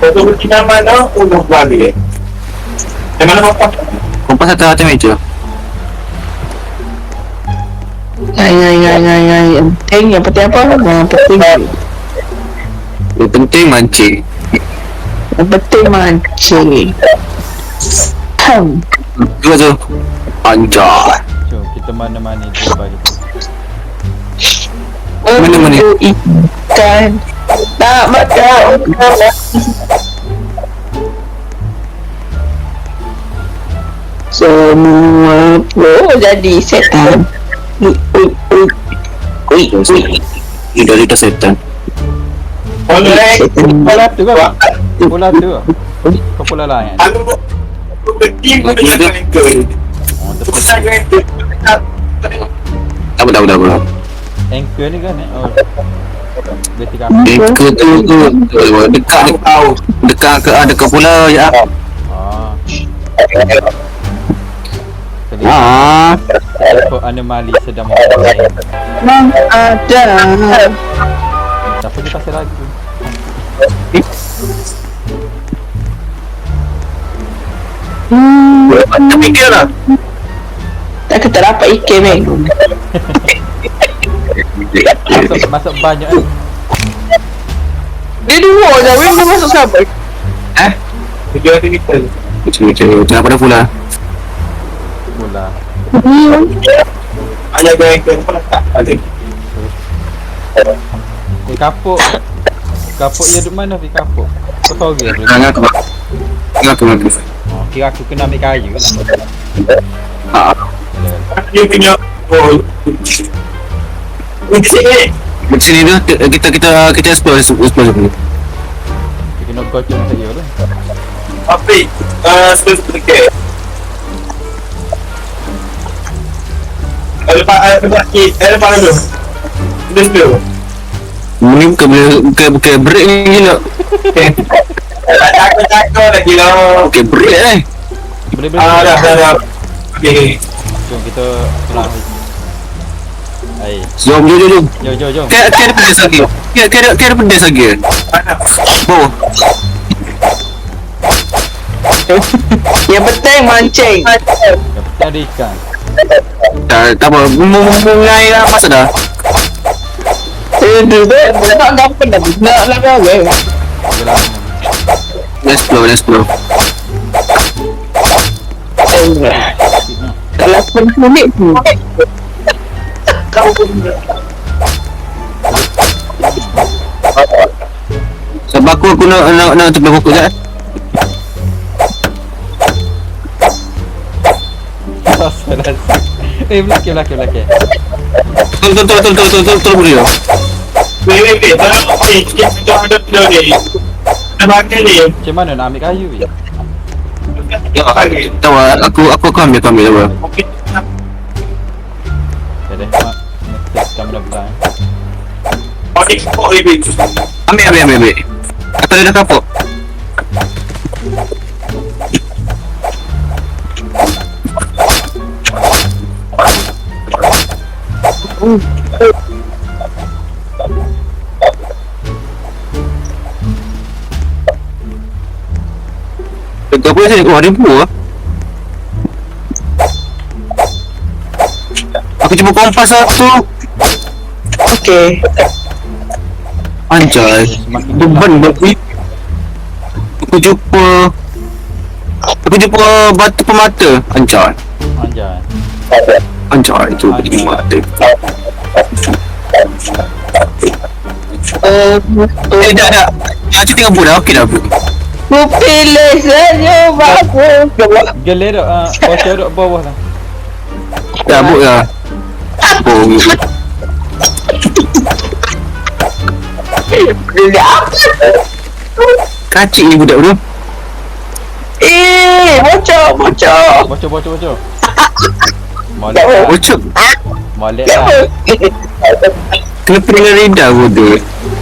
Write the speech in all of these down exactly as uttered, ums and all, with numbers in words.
Untuk bertindak mana untuk balik. Di mana kompas? Kompas atau atas meja? Ay, ay, ay, ay, ay. Yang penting, yang penting apa? Yang penting. Yang penting mancing. Yang penting mancing. Hmm. Dua tu. Anjay. Jom kita mana-mana tu bagi tu. Mana-mana? Ikan. Tak makan. Semua pun jadi setan. Ui, ui, ui. Ui, ui. Lidah lidah setan. Bola tu kan? Bola tu ke? Kau bola lain? Oh, tepi. Tak apa, tak apa, tak apa. Anchor ni kan eh? Oh. Berarti kan? Anchor tu tu dekat dekat ke ada ke pula ya. Ah. Jadi Ah. kau anomali sedang memulai. Memang ada. Siapa dia pasal lagu? Hmm. Tak fikir lah. Tak kata dapat ikan meh. Masuk, masuk banyak kan? Dia dua je, weh dia masuk siapa? Eh? Video tu kita. Macam macam pada pula. Bola. Hmm. Ada gaya ke apa tak? Ada. Eh kapuk. Kapuk dia duduk mana Fi kapuk? Kau tahu ke? Jangan aku. Jangan aku aku. Oh, kira aku kena ambil kayu lah. Ah. Dia punya bol. Sini. Di sini tu kita kita kita explore explore dulu. Kita kena gocong saja lah. Api, ah sebelum kita. Ada pak ada pak ada pak dulu. Sudah sudah. Ini bukan bukan bukan break ni gila. Tak takut lagi lah. Bukan break eh. Boleh boleh. Ah dah dah dah. Okey. Jom kita pulang. Hai. Jom jom jom jom. Jom jom jom. Kira kira pedas lagi. Kira kira kira pedas lagi. Oh. Yang penting mancing. Yang penting ada ikan. Tak tak apa. Mulai lah masa dah. Eh, dia dia tak dapat dah. Nak lagi weh. Bila Let's go, let's go. lapan minit tu. Sebab aku aku nak nak nak tepi pokok jap. Salah. Eh belakang belakang belakang. Tol tol tol tol tol tol tol tol boleh. Wei wei wei, tolong ni, sikit kita ada video ni. Nampak ni. Macam mana nak ambil kayu ni? Ya, tahu aku aku aku ambil aku ambil apa. Okay deh, mak. Mesti kamu dah bilang. Okey, okey baik. Ambil ambil ambil ambil. Atau dia dah kapok. Dekat apa sini? Oh, ada buah. Aku cuba kompas satu. Okey. Anjay. Beban babi. Aku jumpa Aku jumpa batu pemata. Anjay. Anjay. Anjay itu batu mata. Eh, Eh dah dah. Aku tengah buat dah. Okey dah bu. Ku pilih saja bagus. Gelir dok, ah, bocor dok bawah lah. Dah bu dah. Oh. Pilih apa? Kacik ni budak tu. Eh, bocor, bocor. Bocor bocor bocor. Tak Molek apa. lah. Bocor. Molek Tak apa. lah. Kenapa dengan lidah bodoh?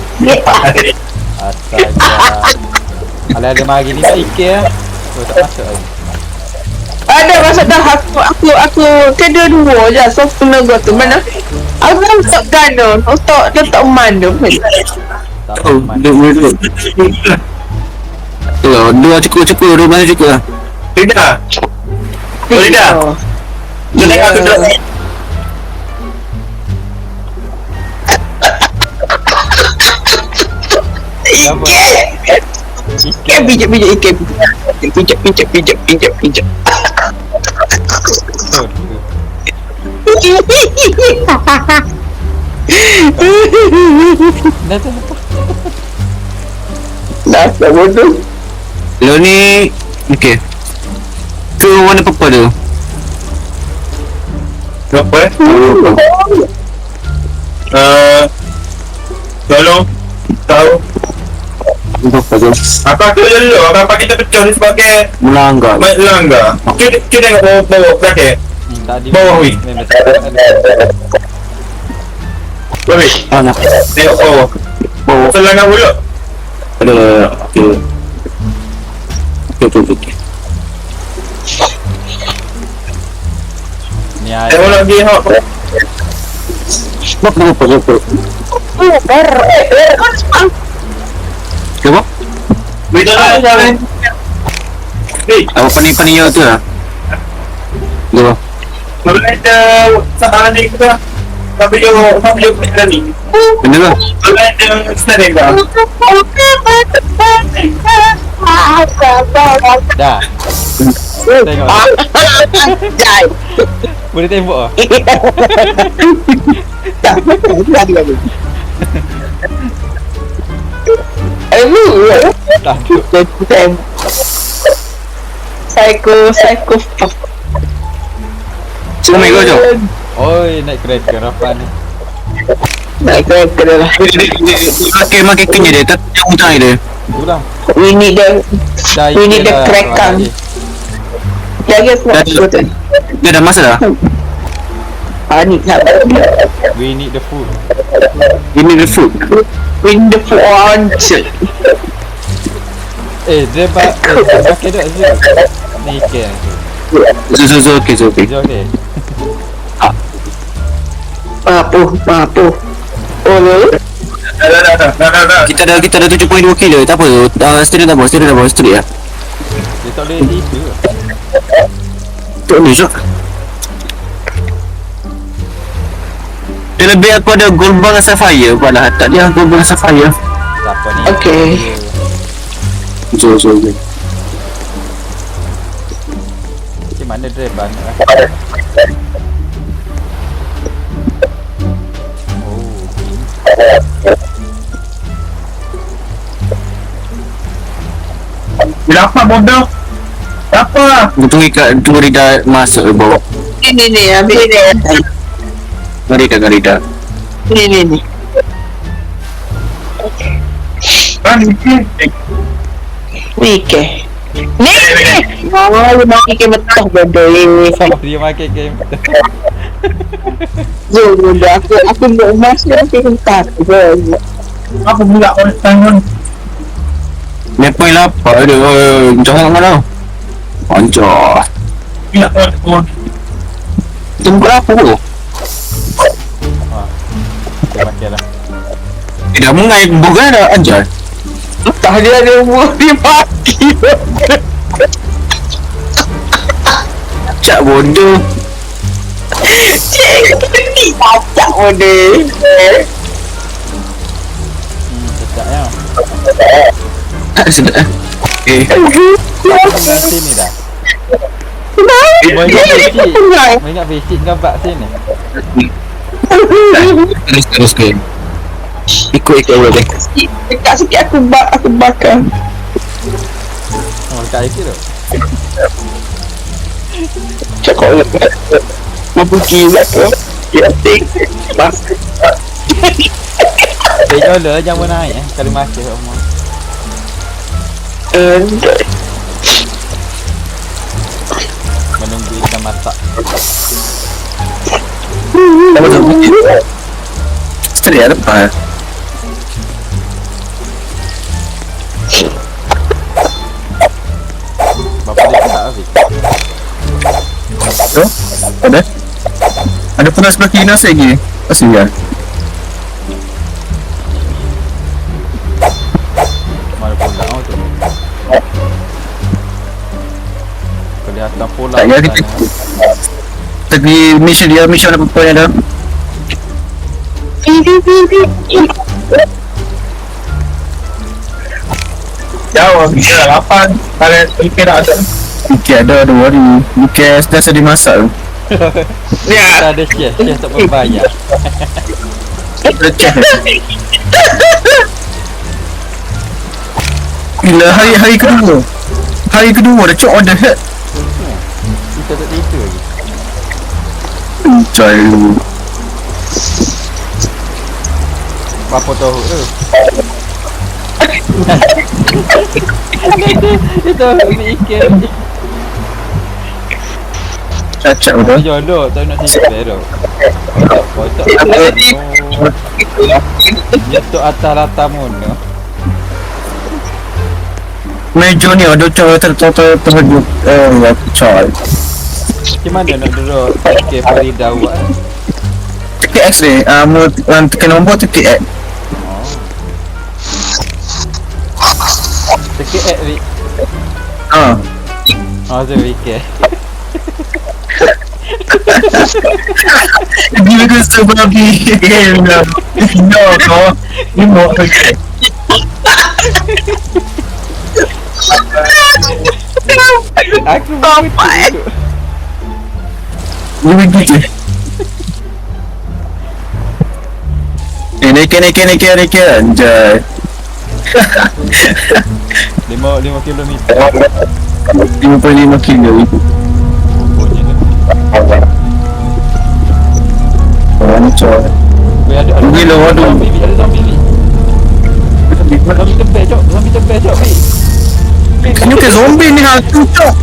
Astaga. Kalau ada mari ni tak ikan lah. Oh, tak masuk lagi. Ada masa dah aku aku aku kedua dua je so penaga tu mana aku tak gano untuk letak man tu Tak Oh, aman. duduk duduk. Tu lah, dua cukup cukup, dua masa cukup lah. Tidak. Boleh dah. Tu tengok aku duduk. Apa? Ikan pijak pijak ikan pijak pijak pijak pijak pijak. Betul. Dah tu. Dah dah bodoh. Lo ni, okey. Tu warna purple tu. Apa eh? Uh, tolong tahu Purple tu. apa tu dulu apa kita pecah ni sebagai Melanggar. mat langgar. Kita kita tengok bawah bawah belakang. Hmm, tadi Bawah, weh. memang tak ada. Boleh. Ah, nak. Tengok bawah. Oh, Selangan mulut. ada. Okey. Okey, okey, okey. Ni ada. Tengok lagi hak. Purple, purple, purple. Oh, ber. Eh, kau cepat. Apa? Betul tak? Hei, Apa pani-pani yo tu lah. Tu. kalau ada sahaja ni kita tapi yo tapi yo kita ni. Benda lah. Kalau ada sedang dah. Dah. Tengok. Jai. Boleh tembok ah. Dah. Dah lagi. Eh, lu. Tak. Tem. Psycho, psycho. Oh my god, jom. Oi, naik kereta rapan ni. Naik kereta dah lah. Dia makin makin kenyang dia, tak yang hutang dia. Kurang. We need the, Dah we need the dah, crackang. lagi. Jaga semua Dah. betul. Dia dah masa dah. Ah, ni nak. We need the food. Ini the food. We need the food. Eh, dia ba eh, dia pakai tak Zul? Ni ikan tu. Zo zo zo, okey zo okey. Zul okey. Papu, papu. Oh, lu. Dah dah dah dah dah dah. Kita dah kita dah tujuh koma dua kilo, tak apa tu. Uh, steady dah bos, steady dah bos, steady ya. Dia tak boleh tidur. Tu ni jom. Dia lebih aku ada gold bar dengan sapphire pula. Tak dia gold bar dengan sapphire. Siapa ni? Okey. Zo zo zo. Macam mana driver nak lah. Oh, Kenapa bodoh? Apa? Tunggu kat tunggu Rida masuk ke bawah. Ni ni ni, habis ni. Mari kat Rida. Ni ni ni. Kan ni. Ni ke. Ni. Oh, lu nak ke betul bodoh ni. dia makan game. Zul, bodoh. Aku aku nak masuk ke hentak. Zul. Apa pula orang tangan? Ni point lapar dia. Oi, jangan mana. Pancah. Pula orang. Tunggu apa tu? Dia makan lah. Eh, dah mengai bukan dah ajar. Tak dia ada umur dia mati. Cak bodoh. Cik, ni kacak bodoh. Hmm, sedap ya. Tak sedap eh. Eh, Dah sini dah. Banyak basic. Banyak basic gambar sini. terus terus ke. Ikut ikut boleh. Dekat sikit aku bak aku bakar. Oh, dekat air tu. Cakap nak mampu gila tu. Ya, tik. Mas. Eh, jola jangan naik eh. Kali makan semua. Eh, Menunggu ikan masak. Apa tu? Steady ada apa? Bapa dia tak habis. Tu? Ada? Ada pernah sebelah kiri nasi lagi? Masih ya? Mana pula oh tu. Bukan pulau Tak, ya kita sana. Kita pergi mission dia, mission apa-apa yang ada. Jauh, kita dah lapan. Kalian fikir tak ada. Fikir ada, ada worry. Fikir dah sedih masak tu. Kita ada chef, chef tak berbayar. Receh. Gila, hari hari kedua. Hari kedua dah cok order head. Kita tak tidur lagi. Cai. Berapa tahu tu? Itu fikir. Cacat betul. Jodoh tak nak simpan tu. Kocok. Itu atas latamun tu. Meja ni ada cok ter-ter terhadap eh cai. Macam mana nak duduk fikir Farida awak? T X ni, ah mu tekan nombor T X. Sikit eh Rik. Ah. Oh tu fikir. Dia kena sebab ni. No, kau. Ni mau kerja. Aku bapak. Ni begitu. Eh, naik naik naik naik anjay. lima lima kilometer. lima puluh lima kilo. Punya tu. Anjay. Weh ada ada. Gila, waduh. Zombie, ada zombie ni. Zombie tebel cok, zombie tebel cok ni. Ni ke zombie ni hantu cok.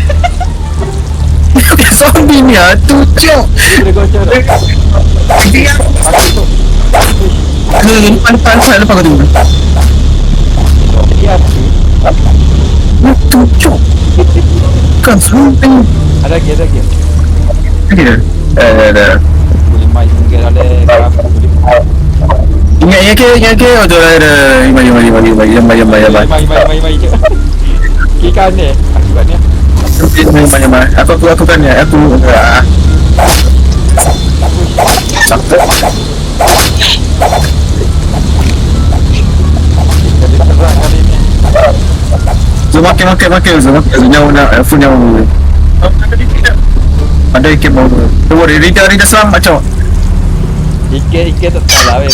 Ni ke zombie ni hantu cok. Boleh gocor tak? Aku tu. Ni depan depan saya lepas kau tunggu. Dia tu. Hantu cok. Kan zombie. Ada lagi, ada lagi. Ni dah. Eh dah. Boleh main mungkin ada kamu boleh. Ingat yang ke yang ke oh tu ada. Mari mari mari mari mari mari mari. Main main main main je. Kiri kanan aku kat ni. Mari mari mari. Aku aku aku kan ya. Aku ah. Sakit. Jadi terang kali ni. So makin makin makin so makin nyawa nak full nyawa. Ada ikan bau. Tu boleh Rita Rita selamat cok. Ikan-ikan tak salah weh.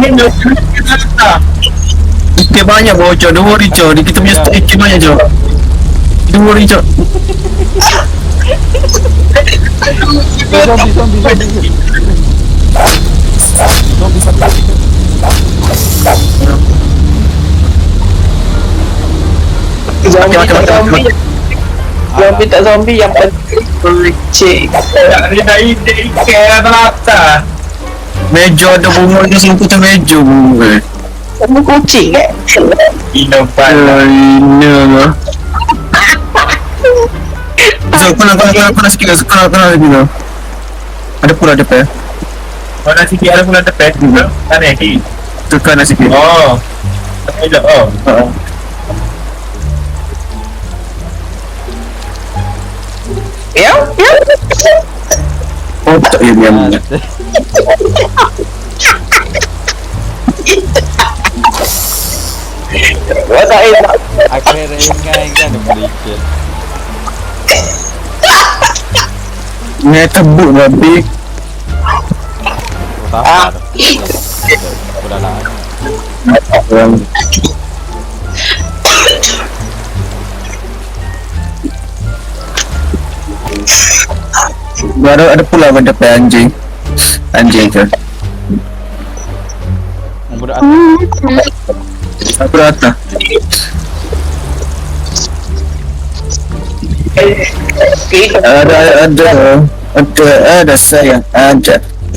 Ikan banyak bau cok. Dua hari cok. Kita punya stok ikan banyak cok. Dua hari cok. Zombie zombie zombie. Zombie satu. Zombie Makan, tak makan, zombie. Zombie tak zombie yang penting cik. Dia dah ide ikan rata. Meja ada bunga dia sini putar meja bunga. Kamu kucing eh? Inovan. Ini lah. So, kau nak kau nak kau nak kau nak sikit lah. Kau nak kau nak sikit lah. Ada pula depan. Mana sikit ada pula depan juga. Kan ni. Tekan lah sikit. Oh. Ada oh. Ha. Ya? Ya? Oh tak ya diam. Wah tak enak. Aku ringan kan boleh ikan. Ni tebuk babi. Tak apa. Sudah lah. Orang baru ada pula pada depan anjing. Anjing ke? Budak Aku datang. Ada ada ada ada sayang aja.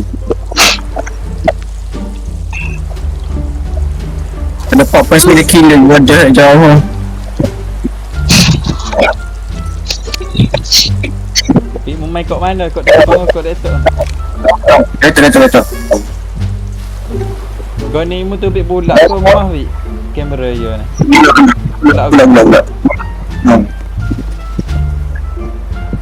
Ada papa sendiri killer wajah jauh. Tapi mau main kat mana? Kat depan kat laptop. Letak letak letak. Kau ni mu tu bik bulat kau mah wi. Kamera yo ni. Bulat bulat bulat. Hmm.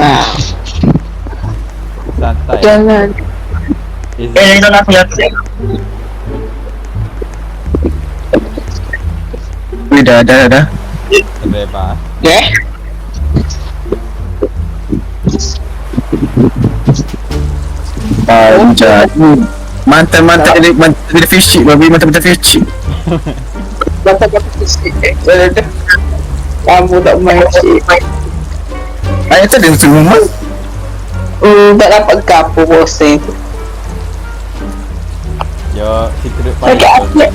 Santai. Jangan. Easy. Eh, yang dah nak lihat. Wih, dah, dah, dah. Bebas. Eh? Ah, macam mantan-mantan jadi mantan jadi fish chip, babi mantan-mantan fish chip. Bata-bata fisik. Kamu tak main fisik. Ayah tak ada semua. Hmm, tak dapat kapu bosen. Yo, secret Sakit file. hati.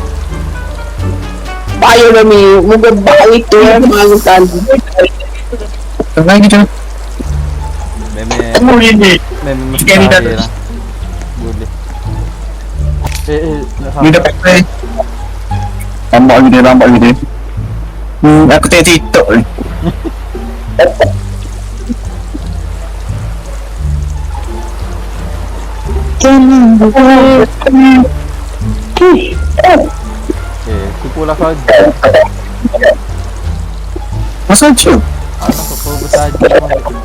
Payah dah ni. Muka bau itu yang malu tadi. Tengah gitu. Memang Kamu ini. memang Sikit ni dah- mustahil lah. Boleh. Eh, eh, nak Ni sampai. dapat play. Lambat lagi dia, lambat lagi dia. Hmm, aku tengok TikTok ni. Eh, kukulah saja. Masa je? Anak kau bersaja.